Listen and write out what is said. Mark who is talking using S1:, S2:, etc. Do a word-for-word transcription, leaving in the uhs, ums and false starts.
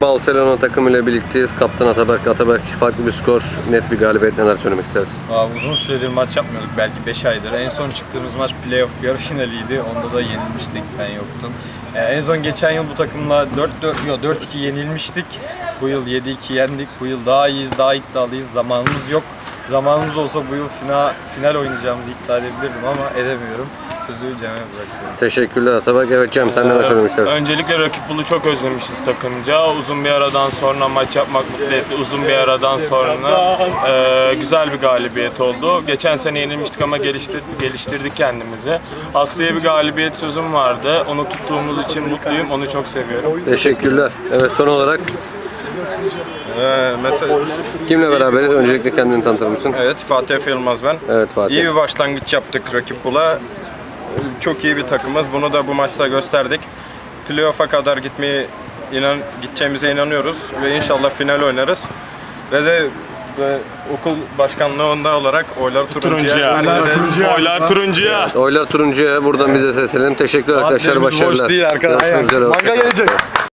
S1: Barcelona takımıyla birlikteyiz. Kaptan Ataberk. Ataberk, farklı bir skor, net bir galibiyet, neler söylemek istersin?
S2: Aa, uzun süredir maç yapmıyorduk, belki beş aydır. En son çıktığımız maç playoff yarı finaliydi. Onda da yenilmiştik, ben yoktum. Ee, en son geçen yıl bu takımla dört dört, yok dört iki yenilmiştik. Bu yıl yedi iki yendik. Bu yıl daha iyiyiz, daha iddialıyız. Zamanımız yok. Zamanımız olsa bu yıl final, final oynayacağımızı iddia edebilirdim ama edemiyorum. Sözü Cem'e bırakıyorum.
S1: Teşekkürler Ataberk. Evet Cem, sen neler söylemek istersin?
S3: Öncelikle rakip bulu çok özlemişiz takımca. Uzun bir aradan sonra maç yapmak mutlu etti. Uzun bir aradan sonra e, güzel bir galibiyet oldu. Geçen sene yenilmiştik ama geliştir, geliştirdik kendimizi. Aslı'ya bir galibiyet sözüm vardı. Onu tuttuğumuz için mutluyum. Onu çok seviyorum.
S1: Teşekkürler. Evet, son olarak
S2: Ee, mesela
S1: kimle beraberiz? Öncelikle kendini tanıtır mısın?
S2: evet, Fatih Efe Yılmaz ben.
S1: Evet Fatih.
S2: İyi bir başlangıç yaptık rakip bula. Çok iyi bir takımız. Bunu da bu maçta gösterdik. Playoff'a kadar gitmeyi inan gideceğimize inanıyoruz ve inşallah final oynarız. Ve de ve okul başkanlığında olarak oylar turuncuya.
S3: Turuncuya. Oylar turuncuya.
S1: Oylar turuncuya, buradan bize seslenelim. Teşekkürler arkadaşlar,
S2: Vaatlerimiz boş
S1: başarılar.
S2: değil arkadaşlar.
S1: Görüşmek üzere.
S4: Manga gelecek.